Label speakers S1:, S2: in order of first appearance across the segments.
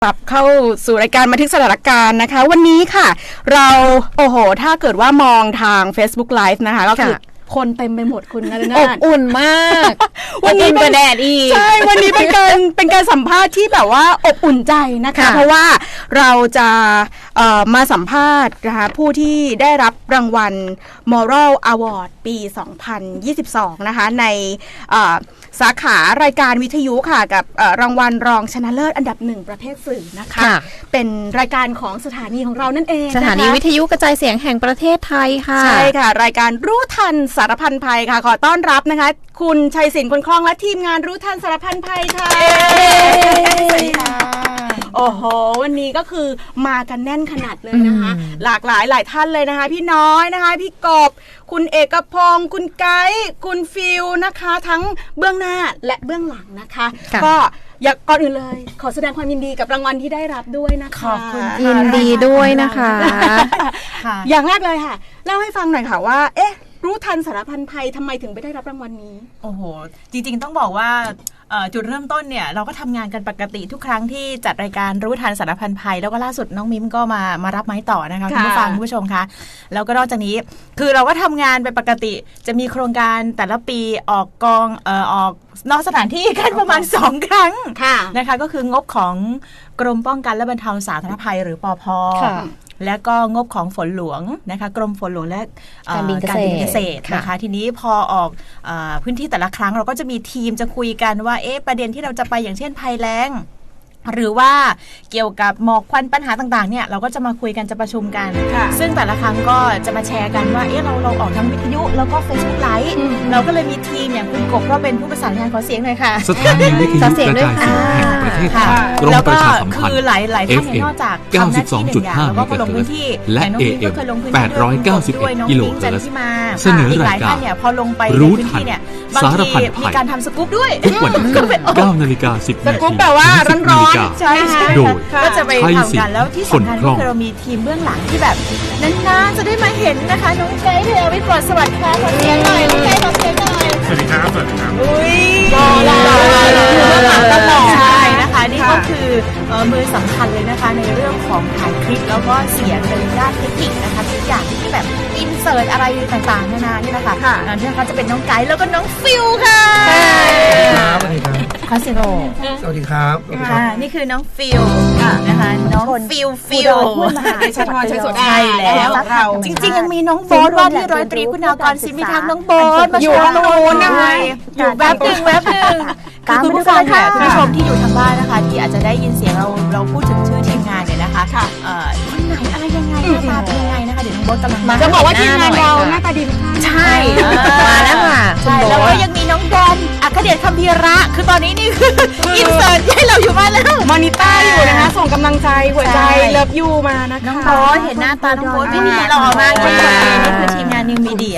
S1: ปรับเข้าสู่รายการบันทึกสถานการณ์นะคะวันนี้ค่ะเราถ้าเกิดว่ามองทาง Facebook Live นะคะก็คือคนเต็มไปหมดคุณนะ
S2: อบอุ่นมาก
S1: วันนี้เป็นแดดอีกใช่วันนี้เป็นการสัมภาษณ์ที่แบบว่าอบอุ่นใจนะคะเพราะว่าเราจะมาสัมภาษณ์นะคะผู้ที่ได้รับรางวัล Moral Award ปี 2022 นะคะในสาขารายการวิทยุค่ะกับรางวัลรองชนะเลิศอันดับ1ประเภทสื่อนะคะเป็นรายการของสถานีของเรานั่นเอง
S2: สถานีวิทยุกระจายเสียงแห่งประเทศไทยค่ะ
S1: ใช่ค่ะรายการรู้ทันสารพันภัยค่ะขอต้อนรับนะคะคุณชัยศิลป์คนคล่องและทีมงานรู้ทันสารพันภัยค่ะสวัสดีค่ะโอ้โหวันนี้ก็คือมากันแน่นขนาดเลยนะคะหลากหลายท่านเลยนะคะพี่น้อยนะคะพี่กบคุณเอกพงศ์คุณไกด์คุณฟิลนะคะทั้งเบื้องหน้าและเบื้องหลังนะคะก็อยากก่อนอื่นเลยขอแสดงความยินดีกับรางวัลที่ได้รับด้วยนะคะขอบคุณ
S2: ยินดีด้วยนะคะ
S1: อย่างแรกเลยค่ะเล่าให้ฟังหน่อยค่ะว่ารู้ทันสารพันภัยทำไมถึงไปได้รับรางวัลนี้
S3: โอ้โหจริงๆต้องบอกว่าจุดเริ่มต้นเนี่ยเราก็ทำงานกันปกติทุกครั้งที่จัดรายการรู้ทันสารพันภัยแล้วก็ล่าสุดน้องมิ้มก็มารับไม้ต่อนะคะคุณผู้ฟังคุณผู้ชมคะแล้วก็นอกจากนี้คือเราก็ทำงานไปปกติจะมีโครงการแต่ละปีออกกองออกนอกสถานที่กันประมาณ2ครั้งนะคะก็คืองบของกรมป้องกันและบรรเทาสาธารณภัยหรือปภ.และก็งบของฝนหลวงนะคะกรมฝนหลวงและ
S2: การบินเกษตร
S3: นะคะทีนี้พอออกพื้นที่แต่ละครั้งเราก็จะมีทีมจะคุยกันว่าประเด็นที่เราจะไปอย่างเช่นภัยแล้งหรือว่าเกี่ยวกับหมอกควันปัญหาต่างๆเนี่ยเราก็จะมาคุยกันจะประชุมกันซึ่งแต่ละครั้งก็จะมาแชร์กันว่าเราออกทั้งวิทยุแล้วก็ Facebook Live เราก็เลยมีทีมอย่างคุณกบก็เป็นผู้ประสานงานขอเสียงหน่อยค่ะ
S4: สถานีวิทยุกระจายเสียงแห่งประเทศไทยกรมประชาสัมพันธ์
S3: คือหลายท่านนอกจากทำหน้าที่หนึ่งอย่างแล้วก็ลงพื้นที่
S4: และ AM 891กิโลเฮิรตซ์เสนอรายการรู้ทันสารพันภัย
S3: มีการทำสกู๊ปด้วย
S4: ทุกวันที่ 9:10 น.
S1: สกู๊ปแบบว่าร้อน
S3: ใช่โดยก็จะไปทำกันแล้วที่สำคัญก็คือเรามีทีมเบื้องหลังที่แบบนานๆจะได้มาเห็นนะคะน้องไกด์เธอไปก่อนสวัสดีค่ะขอเสียงหน่อยน้องไกด์ขอเสียงหน่อย
S5: สวัสดีครับสวัสดีครับ
S3: อุ้ยรอใช่นะคะนี่ก็คือมือสำคัญเลยนะคะในเรื่องของถ่ายคลิปแล้วก็เสียงในด้านเทคนิคนะคะทุกอย่างที่แบบอินเสิร์ตอะไรต่างๆนานานี่นะคะนี่นะคะจะเป็นน้องไกด์แล้วก็น้องฟิลค่ะ
S5: สวัสดีครับ
S3: ขอเสียง
S5: สวัสดีครับ
S3: นี่คือน้องฟิลนะคะน้องฟิล
S1: เดชธรชัยสด
S3: ใช่แล้วจริงๆยังมีน้องโบ๊ทว่าที่ร้อยตรีคุณากรศิลป์มีทางน้องโบ๊ทมาอยู่ตรงนู้นนะคะอยู่แวบหนึ่งคือคุณผู้ฟังค่ะคุณผู้ชมที่อยู่ทางบ้านนะคะที่อาจจะได้ยินเสียงเราพูดถึงชื่อทีมงานเนี่ยนะคะคนไหนอะไรยังไงหน้าตาเป็นยังไงนะคะเดี๋ยวน้องโบ๊ทกำลังมา
S1: จะบอกว่าทีมงานเราหน้าตาดีทุกท่าน
S3: ใช่มาแล้วค่ะใช่แล้วก็ยังมีน้องแดนอัครเดช คัมภีระคือตอนนี้นี่คืออินเสิร์ตให้เราอยู่บ้านแล้ว
S1: มอนิเตอร์อยู่นะคะส่งกำลังใจหัวใจเลิฟยูมานะคะ
S3: น้องโบ๊ทเห็นหน้าตาน้องโบ๊ทไม่มีหล่อมากเลยนี่คือทีมงานนิวมีเดีย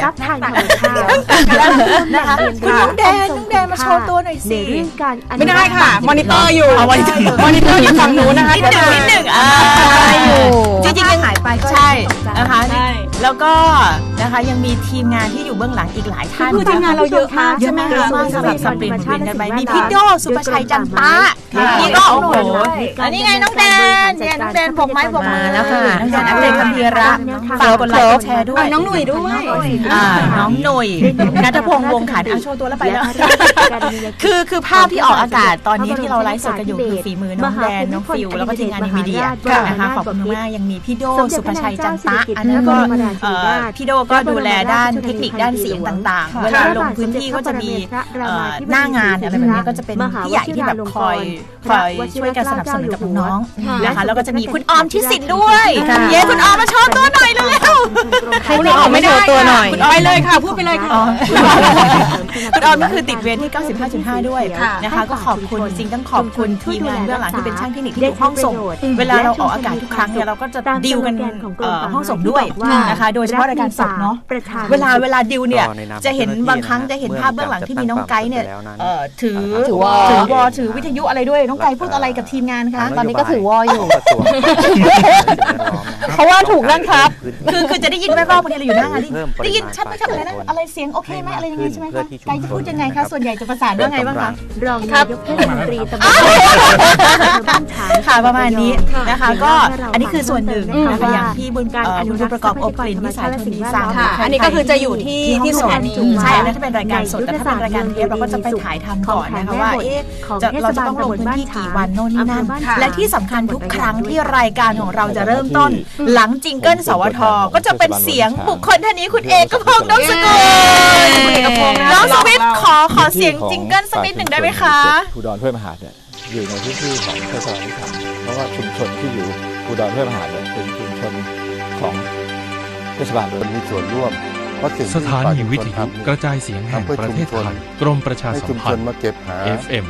S3: นะคะคุณน้องแดนมาโชว์ตัวหน่อยสิ
S1: ไม่ได้ค่ะมอนิเตอร์อยู่มอนิเตอร์อยู่ฝั่งนู้นนะคะ
S3: นิดหนึ่งจริงๆยังหายไปก็ใช่นะคะแล้วก็นะคะยังมีทีมงานที่อยู่เบื้องหลังอีกหลายท่าน
S1: คือทีมงานเราเยอะมาก
S3: ใช่ไหมคะสำหรับสับเปลี่ยนกันไปมีพี่โดสุภชัยจันตะนี่ก็โอ้โหอันนี้ไงน้องแดนเนี่ยน้องแดนปกไม้ปกมือแล้วค่ะน้องแดนอัครเดช คัมภีระฝากกดไลค์กดแชร์ด้วย
S1: น้องหนุ่ยด้วย
S3: น้องหนุ่ยณัฐพงษ์วงขันโชว์ตัวแล้วไปแล้วคือภาพที่ออกอากาศตอนนี้ที่เราไลฟ์สดกันอยู่คือฝีมือน้องแดนน้องฟิวแล้วก็ทีมงานนิวมีเดียนะคะขอบคุณมากยังมีพี่โดสุภชัยจันตะอันนั้นก็พี่โดก็ดูแลด้านเทคนิคด้านเสียงต่างๆเวลาลงพื้นที่ก็จะมีหน้างานอะไรแบบนี้ก็จะเป็นพี่ใหญ่ที่แบบคอยช่วยกันสนับสนุนกับน้องๆนะคะแล้วก็จะมีคุณออมทิศินด้วยเย้คุณออมมาโชว์ตัวหน่อยเร็ว
S1: ๆคุณออมไม่โชว์ตัวหน่อยคุณออมไปเลยค่ะพูดไปเลยค่ะ
S3: คุณออมก็คือติดเวรที่ 95.5 ด้วยนะคะก็ขอบคุณจริงต้องขอบคุณทีมงานเบื้องหลังที่เป็นช่างเทคนิคที่อยู่ห้องส่งเวลาเราออกอากาศทุกครั้งเนี่ยเราก็จะดีลกันห้องส่งด้วยนะคะนะคะโดยเฉพาะรายการสดเนาะเวลาดิวเนี่ยจะเห็นบางครั้งจะเห็นภาพเบื้องหลังที่มีน้องไกด์เนี่ยถือวอถือวิทยุอะไรด้วยน้องไกด์พูดอะไรกับทีมงานคะ
S2: ตอนนี้ก็ถือวออยู่ เพราะว่าถูกนั่งครับ
S3: คือจะได้ยินแว่วๆบางทีเราอยู่หน้างานได้ยินชัดไหมครับอะไรนะอะไรเสียงโอเคไหมอะไรยังไงใช่ไหมคะไกด์จะพูดยังไงคะส่วนใหญ่จะประสานว่าไงบ้างคะ
S6: รองนายกเทศมนตรีตำบลบ้านฉาง
S3: ค่ะประมาณนี้นะคะก็อันนี้คือส่วนหนึ่งนะคะอย่างที่บุญประกอบอบกลิ่นวิสัยทุนดีสร้าง
S1: ค่ะอันนี้ก็คือจะอยู่ที่สวนนี้
S3: ใช่อันนั้นถ้าเป็นรายการสดแต่ถ้าเป็นรายการเทปเราก็จะไปถ่ายทำก่อนนะคะว่าเราจะต้องลงพื้นที่กี่วันโน่นนี่นั่นและที่สำคัญทุกครั้งที่รายการของเราจะเริ่มต้นหลังจิงเกิลสวทก็จะเป็นเสียงบุคคลท่านนี้คุณเอกพงษ์นพสกุลน้องสวิทย์ขอเสียงจิงเกิลสักนิดหนึ่งได้ไหมคะ
S7: ภูดรห้วยมหาดเนี่ยอยู่ในพื้นที่ของเทศบาลนิคมเพราะว่าชุมชนที่อยู่ภูดรห้วยมหาดเนี่ยเป็นชุมชนของเทศบาลมีส่วนร่วม
S4: สถานีวิทยุกระจายเสียงแห่งประเทศไทยกรมประชาสัมพันธ์ FM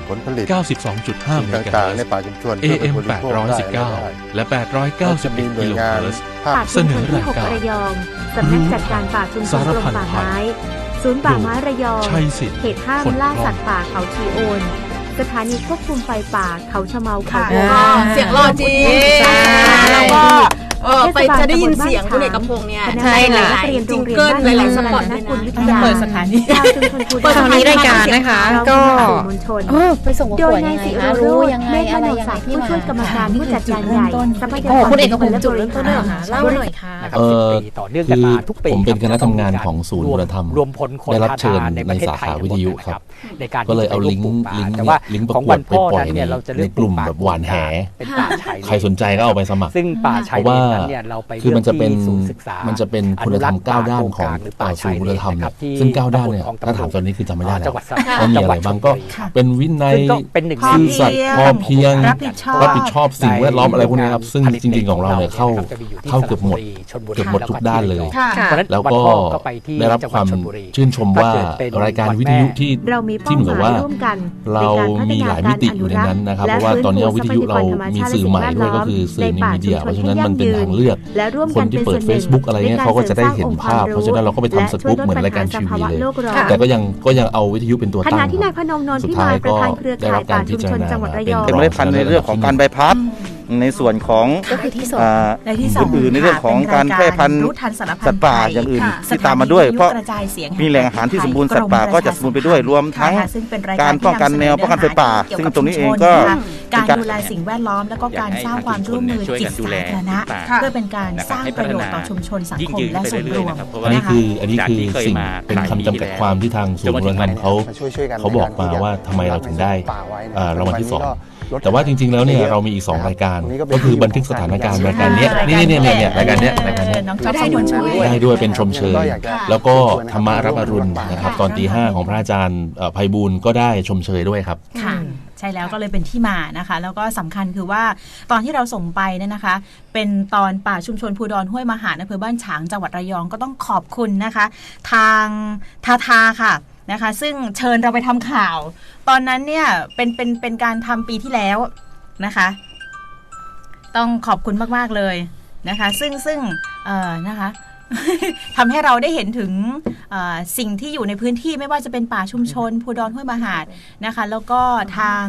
S4: 92.5 เมกะเฮิรตซ์ AM 819 และ 891 กิโลเฮิรตซ์เสนอรายการ
S6: ระยองสำนักจัดการป่าชุมชนกรมป่าไม้ศูนย์ป่าไม้ระยองเขตห้ามล่าสัตว์ป่าเขาชีโอนสถานีควบคุมไฟป่าเขาชะเมาเขา
S1: เสียงหล่อจริงแล้วก็ไปจะได้ยินเสียงคุณเอกพงษ์เนี่ยใช่หลายจิงเกิลหลายๆสปอต
S3: จะเปิดสถานี
S2: เปิดสถานีรายการนะคะก็ไปส่งประกวดยังไงคะรู้ยังไงอะไรยังไงที่มา
S6: ผู้ช่วยกรรมการผู้จัดการใหญ่ทรัพยากร
S2: คุณเอกพงษ์จุดเริ่มต้นเลยเหรอคะเล่าหน่อยค่ะ
S8: ต่อเนื่องกันมาทุกปี
S9: ผมเป็นคณะทำงานของศูนย์วัฒนธรรม
S8: รวมพลคน
S9: ได้รับเชิญในสาขาวิทยุครับก็เลยเอาลิงก์ประกวดไปปล่อยในกลุ่มแบบหวานแหใครสนใจก็เอาไปสมัคร
S8: ซึ่งป่าชายเลนนั้นเนี่ยเราไป
S9: คือมันจะเป็นคุณธรรม9ด้านของศูนย์คุณธรรมเนี่ยซึ่ง9ด้านเนี่ยถ้าถามตอนนี้คือจำไม่ได้แล้วว่ามีอะไรบ้างก็เป็นวินัยซื่อสัตย์พอเพียงรับผิดชอบสิ่งแวดล้อมอะไรพวกนี้ครับซึ่งจริงๆของเราเนี่ยเข้าเกือบหมดทุกด้านเลยแล้วก็ได้รับความชื่นชมว่ารายการวิทยุที่เหมือนว่าเรามีหลายมิติอยู่ในนั้นนะครับเพราะว่าตอนนี้วิทยุเรามีสื่อใหม่ด้วยก็คือสื่อนิวมีเดียเพราะฉะนั้นมันเป็นทางเลือกคนที่เปิด Facebook อะไรเงี้ยเขาก็จะได้เห็นภาพเพราะฉะนั้นเราก็ไปทำสกู๊ปเหมือนรายการทีวีเลยแต่ก็ยังเอาวิทยุเป็นตัวตั้งสุดท้ายก็ได้รับการพิจารณา
S7: เป็นเมล็ดพันธุ์ในเรื่องของการใบพัดในส่วนของอื่นในเรื่องของการแพร่พันธุ์สัตว์ป่าอย่างอื่นที่ตามมาด้วยเพราะมีแหล่งอาหารที่สมบูรณ์สัตว์ป่าก็จะสมบูรณ์ไปด้วยรวมทั้งการป้องกันแนวป้องกันไฟป่าซึ่งตรงนี้เองก็
S3: การดูแลสิ่งแวดล้อมแล้วก็การสร้างความร่วมมือจิตสาธารณะเพื่อเป็นการสร้างประโยชน์ต่อชุมชนสังคมและส่วนรวม
S9: อันนี้คือสิ่งเป็นคำจำกัดความที่ทางศูนย์วัฒนธรรมเขาบอกมาว่าทำไมเราถึงได้รางวัลที่2แต่ว่าจริงๆแล้วเนี่ยเรามีอีก2รายการก็คือบันทึกสถานการณ์รายการนี้นี่รายการนี้ได้ด้วยเป็นชมเชยแล้วก็ธรรมะรับอรุณนะครับตอนตี 5ของพระอาจารย์ไพบูลย์ก็ได้ชมเชยด้วยครับ
S3: ค่ะใช่แล้วก็เลยเป็นที่มานะคะแล้วก็สำคัญคือว่าตอนที่เราส่งไปเนี่ยนะคะเป็นตอนป่าชุมชนภูดรห้วยมหาดอำเภอบ้านฉางจังหวัดระยองก็ต้องขอบคุณนะคะทางทาค่ะนะคะซึ่งเชิญเราไปทำข่าวตอนนั้นเนี่ยเป็นการทำปีที่แล้วนะคะต้องขอบคุณมากๆเลยนะคะซึ่งนะคะทำให้เราได้เห็นถึงสิ่งที่อยู่ในพื้นที่ไม่ว่าจะเป็นป่าชุมชนภูดรห้วยมหาดนะคะแล้วก็ทาง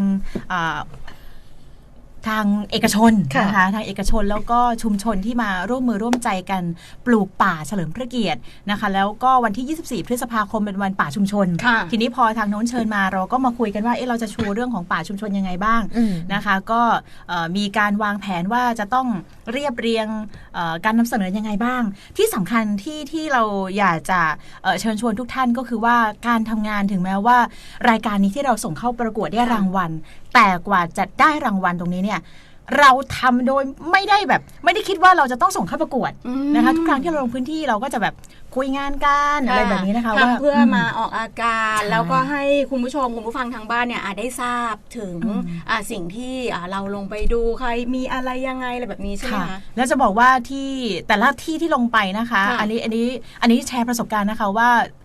S3: เอกชนนะคะทางเอกชนแล้วก็ชุมชนที่มาร่วมมือร่วมใจกันปลูกป่าเฉลิมพระเกียรตินะคะแล้วก็วันที่24พฤษภาคมเป็นวันป่าชุมชนทีนี้พอทางโน้นเชิญมาเราก็มาคุยกันว่าเราจะชูเรื่องของป่าชุมชนยังไงบ้างนะคะก็มีการวางแผนว่าจะต้องเรียบเรียงการนำเสนอยังไงบ้างที่สำคัญที่เราอยากจะเชิญชวนทุกท่านก็คือว่าการทำงานถึงแม้ว่ารายการนี้ที่เราส่งเข้าประกวดได้รางวัลแต่กว่าจะได้รางวัลตรงนี้เนี่ยเราทำโดยไม่ได้คิดว่าเราจะต้องส่งเข้าประกวดนะคะทุกครั้งที่เราลงพื้นที่เราก็จะแบบคุยงานกันอะไรแบบนี้นะคะว่า
S1: เพื่อมาออกอาการแล้วก็ให้คุณผู้ชมคุณผู้ฟังทางบ้านเนี่ยได้ทราบถึงสิ่งที่เราลงไปดูใครมีอะไรยังไงอะไรแบบนี้ใช่ไหมคะ
S3: แล้วจะบอกว่าที่แต่ละที่ที่ลงไปนะคะอันนี้แชร์ประสบการณ์นะคะว่า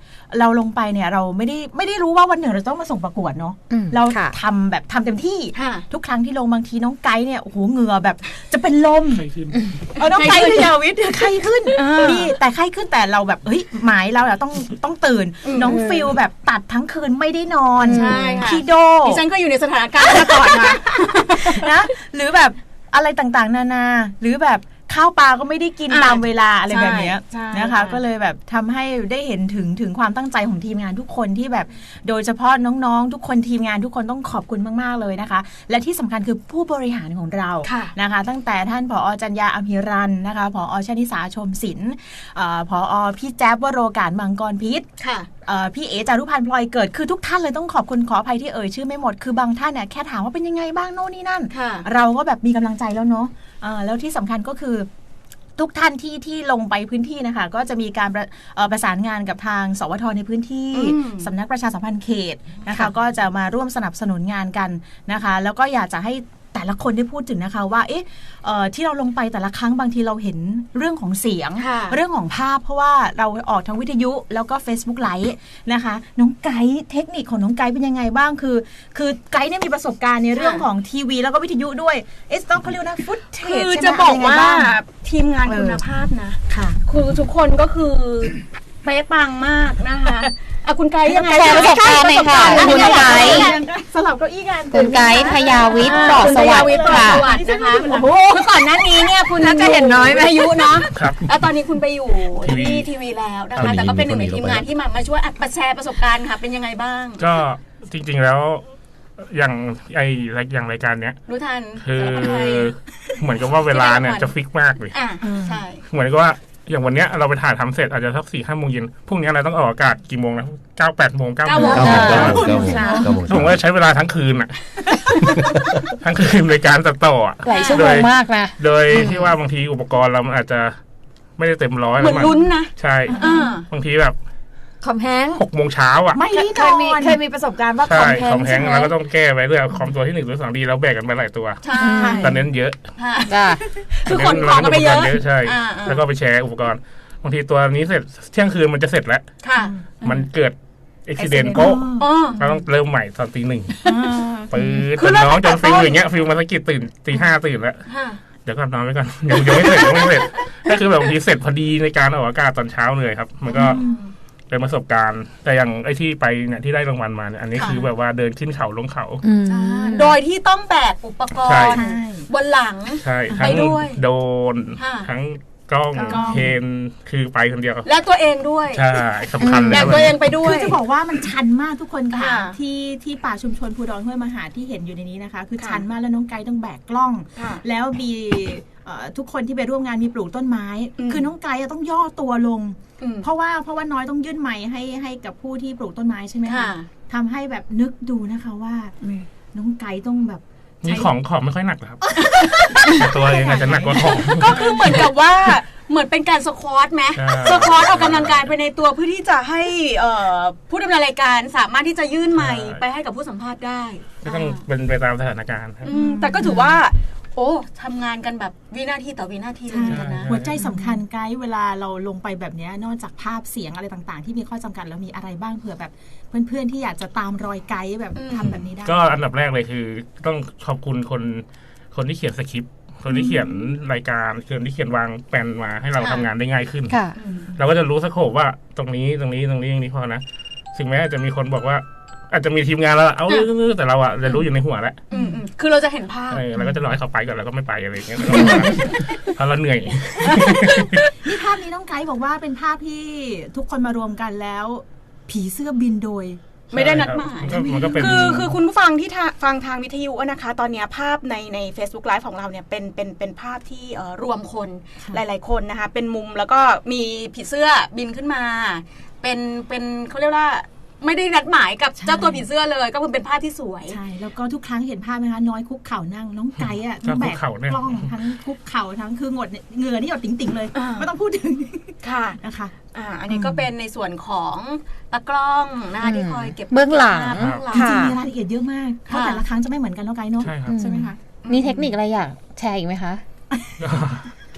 S3: เราลงไปเนี่ยเราไม่ได้รู้ว่าวันหนึ่งเราต้องมาส่งประกวดเนาะเราทำเต็มที่ทุกครั้งที่ลงบางทีน้องไกด์เนี่ยโอ้โหเหงื่อแบบจะเป็นลมน้องไกด์พยาวิทย์ไข้ขึ้นนี่แต่ไข้ขึ้นแต่เราแบบเฮ้ยหมายเราต้องตื่นน้องฟิลแบบตัดทั้งคืนไม่ได้นอนพี่โด
S1: ดิฉันก็อยู่ในสถานการณ์มาก่อนมา
S3: นะหรือแบบอะไรต่างๆนานาหรือแบบข้าวปลาก็ไม่ได้กินตามเวลาอะไรแบบนี้นะคะก็เลยแบบทำให้ได้เห็นถึงความตั้งใจของทีมงานทุกคนที่แบบโดยเฉพาะน้องๆทุกคนทีมงานทุกคนต้องขอบคุณมากๆเลยนะคะและที่สำคัญคือผู้บริหารของเรานะคะตั้งแต่ท่านผอ.จัญญาอภิรันนะคะผอ.ชนิสาชมศิลป์ผอ.พี่แจ๊บวโรกาศมังกรพิษพี่เอ๋จารุพันธ์พลอยเกิดคือทุกท่านเลยต้องขอบคุณขออภัยที่เอ่ยชื่อไม่หมดคือบางท่านเนี่ยแค่ถามว่าเป็นยังไงบ้างโน่นนี่นั่นเราก็แบบมีกำลังใจแล้วเนาะแล้วที่สำคัญก็คือทุกท่านที่ลงไปพื้นที่นะคะก็จะมีการประสานงานกับทางสวทในพื้นที่สำนักประชาสัมพันธ์เขตนะคะก็จะมาร่วมสนับสนุนงานกันนะคะแล้วก็อยากจะให้แต่ละคนได้พูดถึงนะคะว่าที่เราลงไปแต่ละครั้งบางทีเราเห็นเรื่องของเสียงเรื่องของภาพเพราะว่าเราออกทางวิทยุแล้วก็ Facebook ไลฟ์นะคะน้องไกด์เทคนิคของน้องไกด์เป็นยังไงบ้างคือไกด์เนี่ยมีประสบการณ์ในเรื่องของทีวีแล้วก็วิทยุด้วยต้องเขาเรียกนะฟุตเทจ
S1: คือจะบอกว่าทีมงานคุณภาพนะคือทุกคนก็คือเป๊ะปังมากนะคะคุณไกด์ยังไง
S2: แชร์ประสบการณ์หน่อยค่ะคุณไกด์
S1: สลับเก้าอี้กัน
S2: คุณไกด์พยาวิทย์ปลอดสวัสดิ์ค่ะ
S1: นะคะโอ้คือก่อนหน้านี้เนี่ยคุณน่าจะเห็นน้อยอายุเนาะแล้วตอนนี้คุณไปอยู่ที่ทีวีแล้วนะคะแต่ก็เป็นหนึ่งในทีมงานที่มาช่วยแชร์ประสบการณ์ค่ะเป็นยังไงบ้าง
S5: ก็จริงๆแล้วอย่างรายการเนี้ย
S1: รู้ทัน
S5: คือเหมือนกับว่าเวลาเนี่ยจะฟิกมากเลย
S1: ใช่
S5: เหมือนกับว่าอย่างวันเนี้ยเราไปถ่ายทำเสร็จอาจจะสัก 4-5 โมงเย็นพรุ่งนี้เราต้องออกอากาศกี่โมงนะ9-8 โมง9 โมงผมว่าใช้เวลาทั้งคืนอ่ะทั้งคืนในการตัดต่อ
S2: หลายชั่วโมงมากนะ
S5: โดยที่ว่าบางทีอุปกรณ์เราอาจจะไม่ได้เต็มร้อย
S1: เหมือนลุ้นนะ
S5: ใช่บางทีแบบ
S1: คอมแฮง
S5: 6 โมงเช้าอ่ะ
S1: ไม่ได้นอนเคยมีประสบการณ์ว่า
S5: คอมแฮงเราก็ต้องแก้ไปเรื่องคอมตัวที่1ตัว2ดีเราแบกกันไปหลายตัวตอนนั้นเยอะ
S1: คือขนของกันไปเยอะ
S5: ใช่แล้วก็ไปแชร์อุปกรณ์บางทีตัวนี้เสร็จเที่ยงคืนมันจะเสร็จแล้วมันเกิดอุบิเหตุก็เราต้องเริ่มใหม่ตอน 1:00 นปืนจนน้องจนฟิลอย่างเงี้ยฟิลมาสะกิดตื่น 5:00 ตื่นแล้วเดี๋ยวก่อนนอนไว้ก่อนยังไม่เสร็จก็คือแบบบางทีเสร็จพอดีในการออกอากาศตอนเช้าเลยครับมันก็เป็นประสบการณ์แต่อย่างไอ้ที่ไปเนี่ยที่ได้รางวัลมาเนี่ยอันนี้คือแบบว่าเดินขึ้นเขาลงเขา
S1: โดยที่ต้องแบกอุปกรณ์บนหลัง
S5: ไปด้วยโดนทั้งกล้องเคนคือไปคนเดียว
S1: และตัวเองด้วย
S5: ใช่สำคัญเลย
S1: แบบตัวเองไปด้วย
S3: คือจะบอกว่ามันชันมากทุกคนค่ะที่ป่าชุมชนภูดรห้วยมหาที่เห็นอยู่ในนี้นะคะคือชันมากแล้วน้องไกด์ต้องแบกกล้องแล้วมีทุกคนที่ไปร่วมงานมีปลูกต้นไม้คือน้องไกด์ต้องย่อตัวลงเพราะว่าน้อยต้องยื่นไมค์ให้กับผู้ที่ปลูกต้นไม้ใช่ไหมคะทำให้แบบนึกดูนะคะว่าน้องไกด์ต้องแบบ
S5: นี่ของไม่ค่อยหนักครับตัวเองอาจจะหนักกว่าของ
S1: ก็คือเหมือนกับว่าเหมือนเป็นการสควอตไหมสควอตออกกำลังกายไปในตัวเพื่อที่จะให้ผู้ดำเนินรายการสามารถที่จะยื่นไมค์ไปให้กับผู้สัมภาษณ์ได้
S5: ก็ต้องเป็นไปตามสถานการณ์
S1: แต่ก็ถือว่าทำงานกันแบบวินาทีต่อวินาทีเลยนะ
S3: หัวใจสำคัญไกด์เวลาเราลงไปแบบนี้นอกจากภาพเสียงอะไรต่างๆที่มีข้อจำกัดแล้วมีอะไรบ้างเผื่อแบบเพื่อนๆที่อยากจะตามรอยไกด์แบบทำแบบนี้ได้
S5: ก็อันดับแรกเลยคือต้องขอบคุณคนที่เขียนสคริปต์คนที่เขียนรายการคนที่เขียนวางแผนมาให้เราทำงานได้ง่ายขึ้นเราก็จะรู้สโคปว่าตรงนี้พอนะถึงแม้จะมีคนบอกว่าอาจจะมีทีมงานแล้วเอาแต่เราอะจะรู้อยู่ในหัวแล้ว
S1: คือเราจะเห็นภาพ
S5: เราก็จะรอให้เขาไปก่อนแล้วก็ไม่ไปอะไรอย่างเงี้ยเพราะเราเหนื่อย
S3: นี่ภาพนี้น้องไกด์บอกว่าเป็นภาพที่ทุกคนมารวมกันแล้วผีเสื้อบินโดย
S1: ไม่ได้นัดหมายคือคุณผู้ฟังที่ฟังทางวิทยุนะคะตอนนี้ภาพใน Facebook Live ของเราเนี่ยเป็นภาพที่รวมคนหลายๆคนนะคะเป็นมุมแล้วก็มีผีเสื้อบินขึ้นมาเป็นเขาเรียกว่าไม่ได้นัดหมายกับเจ้าตัวผีเสื้อเลยก็เป็นภาพที่สวย
S3: ใช่แล้วก็ทุกครั้งเห็นภาพไหมคะน้อยคุกเข่านั่งน้องไก่อะทั้งแบกกล้องทั้งคุกเข่าทั้งคือเหงื่อนี่หยดติ๋งๆเลยไม่ต้องพูดถึง
S1: ค่ะ
S3: นะคะ
S1: อันนี้ก็เป็นในส่วนของตากล้องนะคะที่คอยเก็บ
S2: เบื้องหลัง
S3: จริงๆมีรายละเอียดเยอะมากเพราะแต่ละครั้งจะไม่เหมือนกันน้องไก่เนาะใช่ไหมคะ
S2: มีเทคนิคอะไรอยากแชร์อีกไหมคะ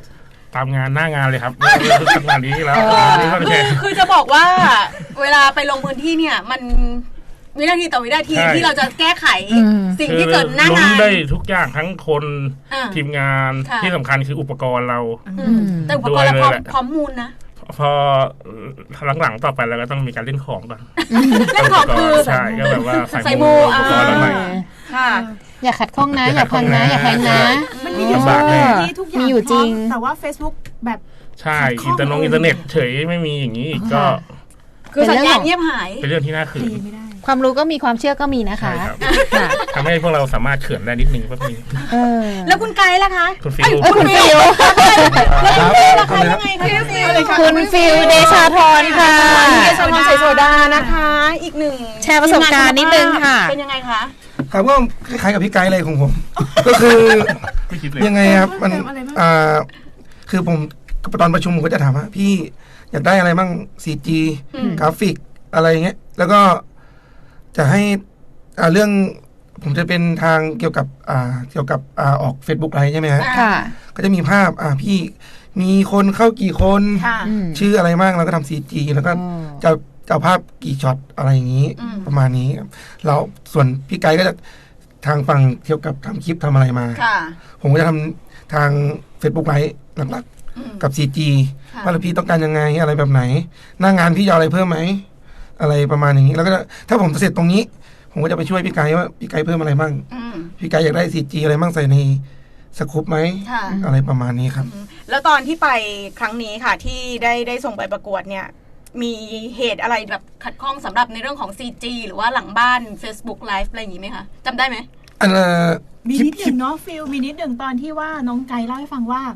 S5: ตามงานหน้างานเลยครับทำงานนี้แล้ว
S1: คือจะบอกว่าเวลาไปลงพื้นที่เนี่ยมันวินาทีต่อวินาทีที่เราจะแก้ไขสิ่งที่เกิดหน้างาน
S5: ได้ทุกอย่างทั้งคนทีมงานที่สำคัญคืออุปกรณ์เรา
S1: แต่อุปกรณ์เราพร้อมมูลนะ
S5: พอหลังๆต่อไปเราก็ต้องมีการเล่นของก่อน
S1: เล่นของคือ
S5: ใช่ก็แบบว่า
S1: ใส่มู
S5: อุปกรณ์อะไร
S2: ค่ะอย่าขัดข้องนะอย่าพังนะอย่าแพงนะ
S3: มันมีอยู่ทุกอย่าง
S2: มีอยู่จริง
S3: แต่ว่า Facebook แบบ
S5: ใช่อินเทอร์เน็ตเฉยไม่มีอย่างนี้อีกก็
S1: คือสัญญาณเงียบหาย
S5: เป็นเรื่องที่น่าขืน
S2: ความรู้ก็มีความเชื่อก็มีนะคะ
S5: ทำให้พวกเราสามารถเขื่อนได้นิดนึงก็มี
S1: แล้วคุณไกด์ล่ะคะ
S5: คุณฟิว
S1: คุณฟิวแล้วคุณฟิวล่ะคะยังไงคะ
S2: คุณฟิวเดชาธรค่ะ
S1: เดชาธรโซดานะคะอีกหนึ่ง
S2: แชร์ประสบการณ์นิดนึงค่ะ
S1: เป็นยังไงคะ
S10: ครับก็คล้ายๆกับพี่ไกด์เลยของผมก็คือยังไงครับมันคือผมตอนประชุมผมก็จะถามว่าพี่อยากได้อะไรบ้าง CG กราฟิกอะไรเงี้ยแล้วก็จะให้เรื่องผมจะเป็นทางเกี่ยวกับออก Facebook อะไรใช่ไหมฮะก็จะมีภาพพี่มีคนเข้ากี่คนชื่ออะไรบ้างแล้วก็ทำ CG แล้วก็จะเอาภาพกี่ช็อตอะไรอย่างนี้ประมาณนี้แล้วส่วนพี่ไกด์ก็จะทางฝั่งเกี่ยวกับทำคลิปทำอะไรมาผมก็จะทำทาง Facebook ไลฟ์หลักๆกับ CG ว่าพี่ต้องการยังไงอะไรแบบไหนหน้างานพี่จะอะไรเพิ่มไหมอะไรประมาณอย่างนี้แล้วก็ถ้าผมเสร็จตรงนี้ผมก็จะไปช่วยพี่ไกด์ว่าพี่ไกด์เพิ่มอะไรบ้างพี่ไกด์อยากได้ CG อะไรบ้างใส่ในสกู๊ปไหมอะไรประมาณนี้ครับ
S1: แล้วตอนที่ไปครั้งนี้ค่ะที่ได้ส่งไปประกวดเนี่ยมีเหตุอะไรแบบขัดข้องสำหรับในเรื่องของ CG หรือว่าหลังบ้าน Facebook Live อะไรอย่างนี้ไหมคะจำได้ไหม
S3: มีนิดหนึ่งเนาะฟิลมีนิดหนึ่งตอนที่ว่าน้องไกด์เล่าให้ฟังว่า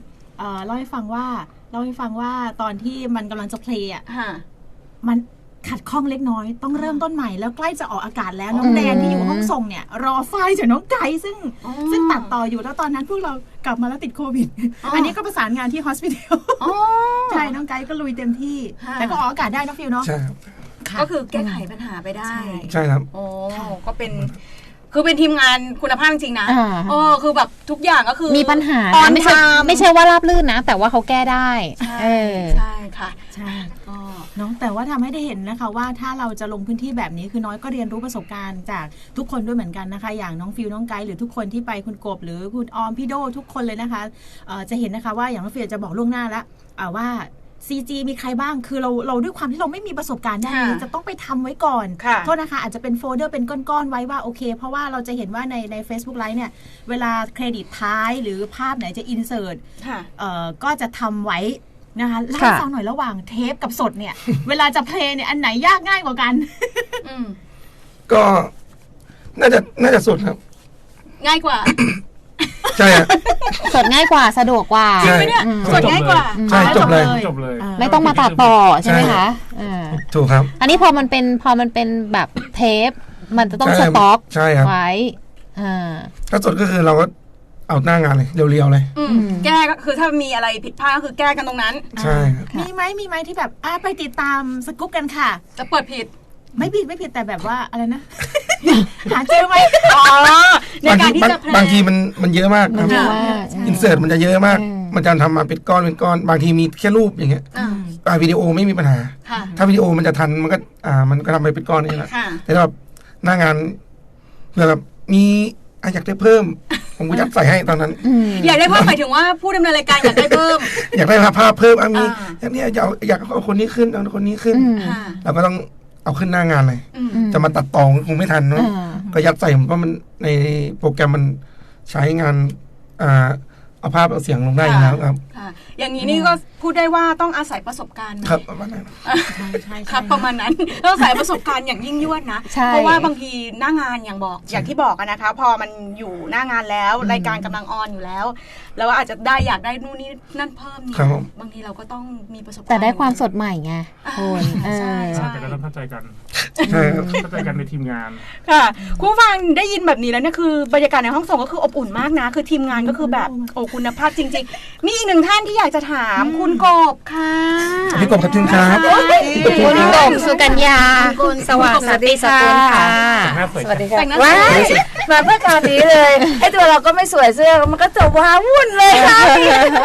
S3: ตอนที่มันกำลังจะเพลย์อ่ะมันขัดข้องเล็กน้อยต้องเริ่มต้นใหม่แล้วใกล้จะออกอากาศแล้วน้องแดนที่อยู่ห้องส่งเนี่ยรอไฟล์จากน้องไกด์ซึ่งตัดต่ออยู่แล้วตอนนั้นพวกเรากลับมาแล้วติดโควิดอันนี้ก็ประสานงานที่ฮอสพิทอลใช่น้องไกด์ก็ลุยเต็มที่แต่ก็ออกอากาศได้นะฟิลเนาะ
S1: ก็คือแก้ไขปัญหาไปได้
S10: ใช่ครับ
S1: โอ้ก็เป็นคือเป็นทีมงานคุณภาพจริงนะคือแบบทุกอย่างก็คือ
S2: มีปัญหาไม่ใช่ว่าราบรื่นนะแต่ว่าเขาแก้ได้
S1: ใช่ค่ะ
S3: ใช่ก็น้องแต่ว่าทำให้ได้เห็นนะคะว่าถ้าเราจะลงพื้นที่แบบนี้คือน้อยก็เรียนรู้ประสบการณ์จากทุกคนด้วยเหมือนกันนะคะอย่างน้องฟิวน้องไกด์หรือทุกคนที่ไปคุณกบหรือคุณออมพี่โดทุกคนเลยนะคะจะเห็นนะคะว่าอย่างน้องฟิวจะบอกล่วงหน้าแล้วว่าCG มีใครบ้างคือเราด้วยความที่เราไม่มีประสบการณ์ด้านนี้จะต้องไปทำไว้ก่อนโทษนะคะอาจจะเป็นโฟลเดอร์เป็นก้อนๆไว้ว่าโอเคเพราะว่าเราจะเห็นว่าใน Facebook Live เนี่ยเวลาเครดิตท้ายหรือภาพไหนจะอินเสิร์ตก็จะทำไว้นะคะเล่าให้ฟังหน่อยระหว่างเทปกับสดเนี่ยเวลาจะเพลย์เนี่ยอันไหนยากง่ายกว่ากัน
S10: ก็น่าจะสดครับ
S1: ง่ายกว่า
S10: ใช่
S2: สดง่ายกว่าสะดวกกว่า
S1: จริงไหมเนี่ยสดง่ายกว่า
S10: ใช่จบเลย
S2: ไม่ต้องมาตัดต่อใช่ไหมคะ
S10: ถูกครับ
S2: อันนี้พอมันเป็นแบบเทปมันจะต้องสต็อกไว้
S10: ถ้าสดก็คือเราก็เอาหน้างานเลยเรียวๆเลย
S1: แก้ก็คือถ้ามีอะไรผิดพลาดก็คือแก้กันตรงนั้น
S10: ใช่
S3: มีไหมที่แบบไปติดตามสกู๊ปกันค่ะ
S1: จะเปิดผิด
S3: ไม่ผิดแต่แบบว่าอะไรนะหาเจอไหม
S10: ในการที่จะบางทีมันเยอะมากครับอินเสิร์ตมันจะเยอะมากมันจะทำมาเป็นก้อนบางทีมีแค่รูปอย่างเงี้ยวิดีโอไม่มีปัญหาถ้าวิดีโอมันจะทันมันก็ทำไปเป็นก้อนนี่แหละแต่แบบหน้างานเผื่อแบบมีอยากได้เพิ่มผมก็ยัดใส่ให้ตอนนั้น
S1: อยากได้เพิ่มหมายถึงว่าผู้ดำเนินรายการอยากได้เพิ่ม
S10: อยากได้ภาพเพิ่มมีอย่างนี้อยากเอาคนนี้ขึ้นเอาคนนี้ขึ้นเราก็ต้องเอาขึ้นหน้างานเลยจะมาตัดต่อคงไม่ทันเนาะก็ยัดใส่เพราะมันในโปรแกรมมันใช้งานเอาภาพเอาเสียงลงได้อยู่แล้วครับ
S1: อย่างนี้นี่ก็พูดได้ว่าต้องอาศัยประสบการณ์
S10: ครับประมาณนั้น
S1: ครับประมาณนั้นต้องอาศัยประสบการณ์อย่างยิ่งยวดนะเพราะว่าบางทีหน้างานอย่างที่บอกนะคะพอมันอยู่หน้างานแล้วรายการกำลังออนอยู่แล้วแล้วอาจจะได้อยากได้นู่นนี่นั่นเพิ่มเนี่ยบางทีเราก็ต้องมีประสบการณ์
S2: แต่ได้ความสดใหม่ไงคุณ
S5: ใช่แต่ก็ต้องเข้าใจกันเข้าใจกันในทีมงาน
S1: ค่ะคุณฟังได้ยินแบบนี้แล้วเนี่ยคือบรรยากาศในห้องส่งก็คืออบอุ่นมากนะคือทีมงานก็คือแบบโอ้คุณภาพจริงๆมีอีกหนึ่งท่านที่อยากจะถามคุณกบค่ะ
S10: พี่กบขอบคุณครับ
S2: คุณกบสุกัญญาสวัสดีค่ะ
S8: สวัสดีค่ะว้ายมาเพื่อการนี้เลยไอ้ตัวเราก็ไม่สวยเสื้อมันก็จะว้าวุ่นเลยค่ะ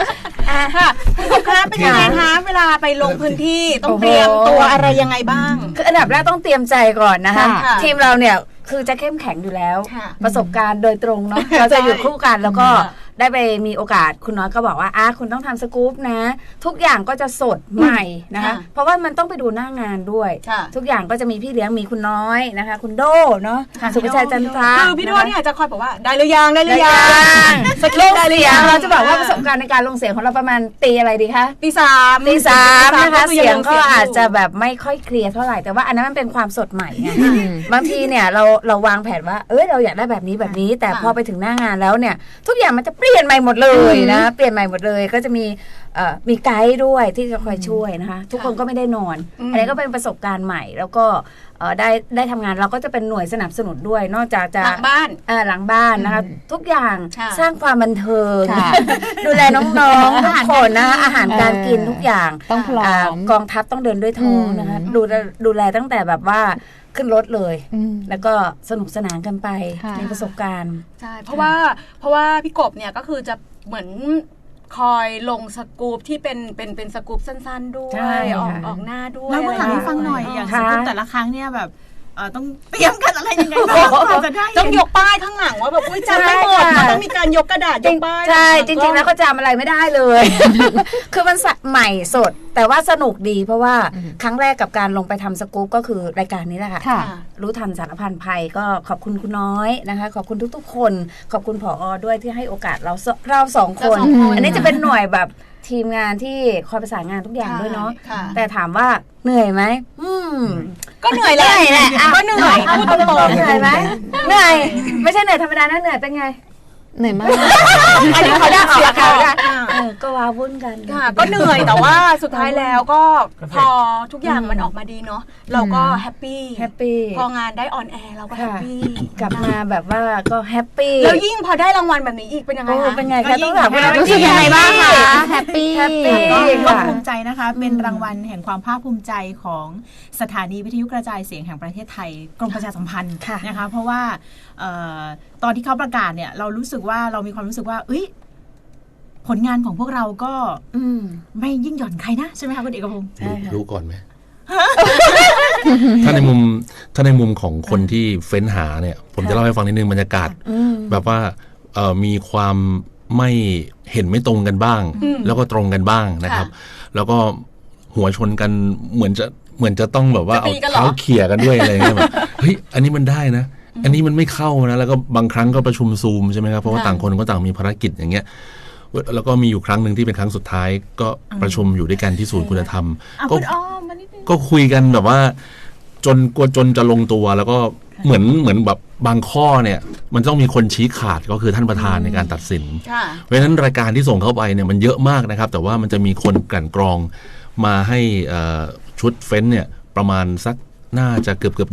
S1: ค่ะคุณกบคะเป็นยังไงคะเวลาไปลงพื้นที่ต้องเตรียมตัวอะไรยังไงบ้าง
S8: คืออันดับแรกต้องเตรียมใจก่อนนะคะทีมเราเนี่ยคือจะเข้มแข็งอยู่แล้วประสบการณ์โดยตรงเนาะเราจะอยู่คู่กันแล้วก็ได้ไปมีโอกาสคุณน้อยก็บอกว่าคุณต้องทำสกู๊ปนะทุกอย่างก็จะสดใหม่นะคะเพราะว่ามันต้องไปดูหน้างานด้วยทุกอย่างก็จะมีพี่เลี้ยงมีคุณน้อยนะคะคุณโดเนาะสุภชัยจันทรา
S1: คือพี่โดเนี่ยจะคอยบอกว่าได้หรือยัง
S8: สกิลได้หรือยังเราจะบอกว่าประสบการณ์ในการลงเสียงของเราประมาณตีอะไรดีคะ
S1: ตีสาม
S8: นะคะเสียงก็อาจจะแบบไม่ค่อยเคลียร์เท่าไหร่แต่ว่าอันนั้นมันเป็นความสดใหม่ไงบางทีเนี่ยเราวางแผนว่าเราอยากได้แบบนี้แต่พอไปถึงหน้างานแล้วเนี่ยทุกอย่างมันจะเปลี่ยนใหม่หมดเลยนะเปลี่ยนใหม่หมดเลยก็จะมีไกด์ด้วยที่จะคอยช่วยนะคะทุกคนก็ไม่ได้นอนอันนี้ก็เป็นประสบการณ์ใหม่แล้วก็ได้ทำงานเราก็จะเป็นหน่วยสนับสนุนด้วยนอกจากจะ
S1: หลังบ้
S8: านนะคะทุกอย่างสร้างความบันเทิงดูแลน้องๆทุกคนนะอาหารการกินทุกอย่าง
S2: ต้องพร้อม
S8: กองทัพต้องเดินด้วยท้องนะคะดูแลตั้งแต่แบบว่าขึ้นรถเลยแล้วก็สนุกสนานกันไปในประสบการณ์
S1: ใช่เพราะว่าพี่กบเนี่ยก็คือจะเหมือนคอยลงสกู๊ปที่เป็นสกู๊ปสั้นๆด้วยออกหน้าด้วย
S3: แล้วเมื่อหลังให้ฟังหน่อยอย่างสกู๊ปแต่ละครั้งเนี่ยแบบต้องเตรียมกันอะไรยังไงบ้าง
S1: ต้องยกป้ายข้างหลังว่าแบบจำไม่หมดต้องมีการยกกระดาษยกป้าย
S8: ใช่จริงๆแล้วก็จำอะไรไม่ได้เลย คือมันใหม่สดแต่ว่าสนุกดีเพราะว่าครั้งแรกกับการลงไปทำสกู๊ปก็คือรายการนี้แหละค่ะรู้ทันสารพันภัยก็ขอบคุณคุณน้อยนะคะขอบคุณทุกๆคนขอบคุณผอ.ด้วยที่ให้โอกาสเราสองคนอันนี้จะเป็นหน่วยแบบทีมงานที่คอยประสานงานทุกอย่างด้วยเนาะแต่ถามว่าเหนื่อยไหม
S1: ก็เหนื่อยแหละก็เหนื่อยพูดตรงๆ
S8: เหนื่อยไหมเหนื่อยไม่ใช่เหนื่อยธรรมดานะเหนื่อยเป็นไง
S2: เหนื่อยมาก
S8: อันนี้เขาได้ออกอาการก็ว้าวุ่นกัน
S1: ก็เหนื่อยแต่ว่าสุดท้ายแล้วก็พอทุกอย่างมันออกมาดีเนาะเราก็แฮปปี้พองานได้ออนแอร์เราก็แฮปปี้
S8: กลับมาแบบว่าก็แฮปปี้
S1: แล้วยิ่งพอได้รางวัลแบบนี้อีกเป็นยังไงคะ
S8: เป็นไงคะต้องถามว่า
S2: รู้สึกยังไงบ้างคะแฮปปี้
S3: ก็ภูมิใจนะคะเป็นรางวัลแห่งความภาคภูมิใจของสถานีวิทยุกระจายเสียงแห่งประเทศไทยกรมประชาสัมพันธ์นะคะเพราะว่าตอนที่เขาประกาศเนี่ยเรามีความรู้สึกว่าผลงานของพวกเราก็ไม่ยิ่งหย่อนใครนะใช่ไหมคะคุณเอกพงศ์
S9: รู้ก่อนไหม ถ้าในมุมของคนที่เฟ้นหาเนี่ยผมจะเล่าให้ฟังนิดนึงบรรยากาศแบบว่ามีความไม่เห็นไม่ตรงกันบ้างแล้วก็ตรงกันบ้างนะครับแล้วก็หัวชนกันเหมือนจะต้องแบบว่าเอาเท้าเขี่ยกันด้วยอะไรเงี้ยแบบเฮ้ยอันนี้มันได้นะอันนี้มันไม่เข้านะแล้วก็บางครั้งก็ประชุมซูมใช่ไหมครับเพราะว่าต่างคนก็ต่างมีภารกิจอย่างเงี้ยแล้วก็มีอยู่ครั้งหนึ่งที่เป็นครั้งสุดท้ายก็ประชุมอยู่ด้วยกันที่ศูนย์คุณธรรมก็คุยกันแบบว่าจนจะลงตัวแล้วก็เหมือนแบบบางข้อเนี่ยมันต้องมีคนชี้ขาดก็คือท่านประธานในการตัดสินเพราะฉะนั้นรายการที่ส่งเข้าไปเนี่ยมันเยอะมากนะครับแต่ว่ามันจะมีคนกลั่นกรองมาให้ชุดเฟ้นเนี่ยประมาณสักน่าจะเกือบ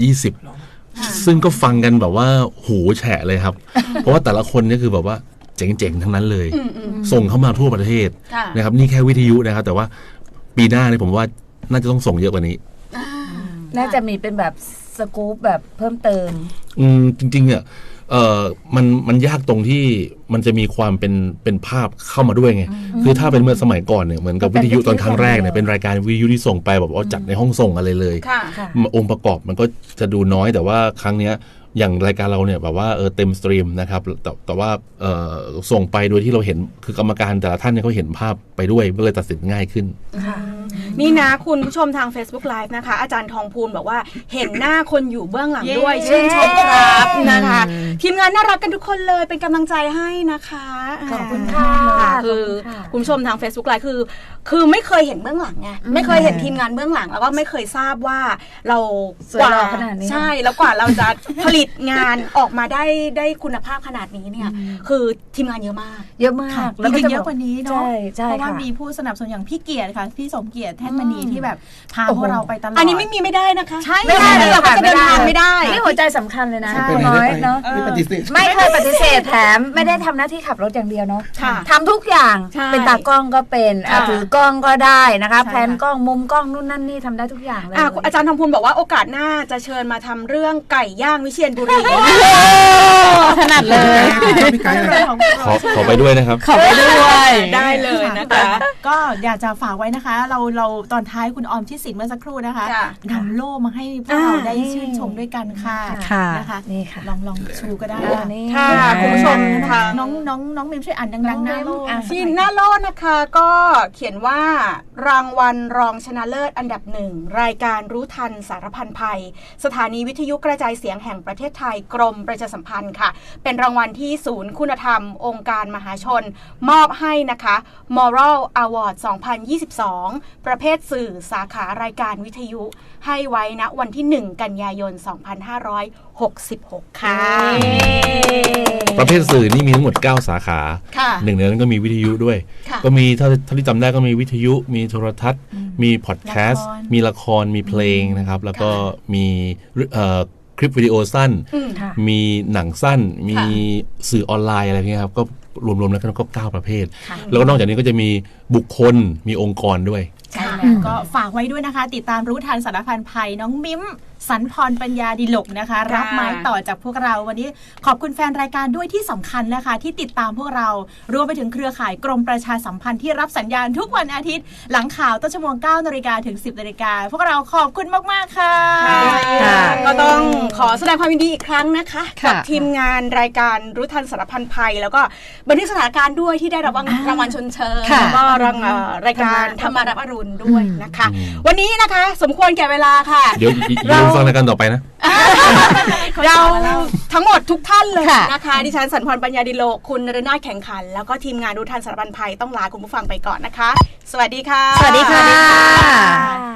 S9: 20ซึ่งก็ฟังกันแบบว่าหูแฉะเลยครับ เพราะว่าแต่ละคนนี่คือแบบว่าเจ๋งๆทั้งนั้นเลยส่งเข้ามาทั่วประเทศนะครับนี่แค่วิทยุนะครับแต่ว่าปีหน้าเนี่ยผมว่าน่าจะต้องส่งเยอะกว่านี้
S8: น่าจะมีเป็นแบบสกู๊ปแบบเพิ่มเติม
S9: จริงๆเนี่ยมันยากตรงที่มันจะมีความเป็นภาพเข้ามาด้วยไงคือถ้าเป็นเมื่อสมัยก่อนเนี่ยเหมือนกับวิทยุตอนครั้งแรกเนี่ยเป็นรายการวิทยุที่ส่งไปแบบว่าจัดในห้องส่งอะไรเลยองค์ประกอบมันก็จะดูน้อยแต่ว่าครั้งเนี้ยอย่างรายการเราเนี่ยแบบว่าเต็มสตรีมนะครับแต่ว่าส่งไปโดยที่เราเห็นคือกรรมการแต่ละท่านเนี่ยเขาเห็นภาพไปด้วยก็เลยตัดสินง่ายขึ้น
S1: นี่นะคุณผู้ชมทาง Facebook Live นะคะอาจารย์ทองพูนบอกว่าเห็นหน้าคนอยู่เบื้องหลังด้วยชื่นชมครับนะคะทีมงานน่ารักกันทุกคนเลยเป็นกำลังใจให้นะคะ
S8: ขอบคุณค่ะ
S1: คือคุณผู้ชมทาง Facebook Live คือไม่เคยเห็นเบื้องหลังไงไม่เคยเห็นทีมงานเบื้องหลังแล้วก็ไม่เคยทราบว่าเรา
S8: กว่าขนาดนี้
S1: ใช่แล้วกว่าเราจะผลิตงานออกมาได้คุณภาพขนาดนี้เนี่ยคือทีมงานเยอะมาก
S3: แล้วก็เยอะกว่านี้เนาะเพราะว่ามีผู้สนับสนุนอย่างพี่เกียรติค่ะพี่สมเกียรติแท่นมณีที่แบบพาพวกเราไปตลอด
S1: อันนี้ไม่ได้นะคะ
S8: ใช่ไม่ได้
S1: เราจะเดินทางไม่ได้
S8: นี่หัวใจสำคัญเลยนะน้อยเนาะไม่เคยปฏิเสธแถมไม่ได้ทำหน้าที่ขับรถอย่างเดียวเนาะทำทุกอย่างเป็นตากล้องก็เป็นถือกล้องก็ได้นะคะแพนกล้องมุมกล้องนู่นนั่นนี่ทำได้ทุกอย่างเลย
S1: อาจารย์ทองพูนบอกว่าโอกาสหน้าจะเชิญมาทำเรื่องไก่ย่างวิเชียรบุรี
S2: ถนัดเลย
S9: ขอไปด้วยนะครับ
S2: ขอไปด้วย
S1: ได้เลยนะคะ
S3: อยากจะฝากไว้นะคะเราตอนท้ายคุณออมชิดสินเมื่อสักครู่นะคะนำโล่มาให้พวกเราได้ชื่นชมด้วยกันค่ะนะคะนี่ค่ะลองชูก็ได้
S1: ค่ะคุณผู้ชมทาง
S3: น้องมิมช่วยอ่านดังๆหน้าโล่
S1: ที่หน้าโล่นะคะก็เขียนว่ารางวัลรองชนะเลิศอันดับ1รายการรู้ทันสารพันภัยสถานีวิทยุกระจายเสียงแห่งประเทศไทยกรมประชาสัมพันธ์ค่ะเป็นรางวัลที่ศูนย์คุณธรรมองค์การมหาชนมอบให้นะคะ Moral Award 2022 ประเภทสื่อสาขารายการวิทยุให้ไว้ณวันที่1กันยายน2566ค่ะ
S9: ประเภทสื่อนี่มีทั้งหมด9สาขาหนึ่งในนั้นก็มีวิทยุด้วยก็มีถ้าที่จำได้ก็มีวิทยุมีโทรทัศน์มีพอดแคสต์มีละครมีเพลงนะครับแล้วก็มีคลิปวิดีโอสั้นมีหนังสั้นมีสื่อออนไลน์อะไรเงี้ยครับก็รวมๆแล้วก็9ประเภทแล้วก็นอกจากนี้ก็จะมีบุคคลมีองค์กรด้วย
S3: ใช่แล้วก็ฝากไว้ด้วยนะคะติดตามรู้ทันสารพันภัยน้องมิ้มสันพรปัญญาดิลกนะคะรับไม้ต่อจากพวกเราวันนี้ขอบคุณแฟนรายการด้วยที่สำคัญนะคะที่ติดตามพวกเรารวมไปถึงเครือข่ายกรมประชาสัมพันธ์ที่รับสัญญาณทุกวันอาทิตย์หลังข่าวต้นชั่วโมง 9 นาฬิกาถึง 10 นาฬิกาพวกเราขอบคุณมากๆค่ะ
S1: ก็ต้องขอแสดงความยินดีอีกครั้งนะคะกับทีมงานรายการรู้ทันสารพันภัยแล้วก็บันทึกสถานการณ์ด้วยที่ได้รับรางวัลชมเชยแล้วก็รายการธรรมารับอรุณด้วยนะคะวันนี้นะคะสมควรแก่เวลาค่ะ
S9: เดี๋ยวฟังรายการต่อไปนะ
S1: เราทั้งหมดทุกท่านเลยนะคะดิฉันสันพรปัญญาดิโลกคุณนรนาถแข่งขันแล้วก็ทีมงานรู้ทันสารพันภัยต้องลาคุณผู้ฟังไปก่อนนะคะสวัสดีค่ะ
S2: สวัสดีค่ะ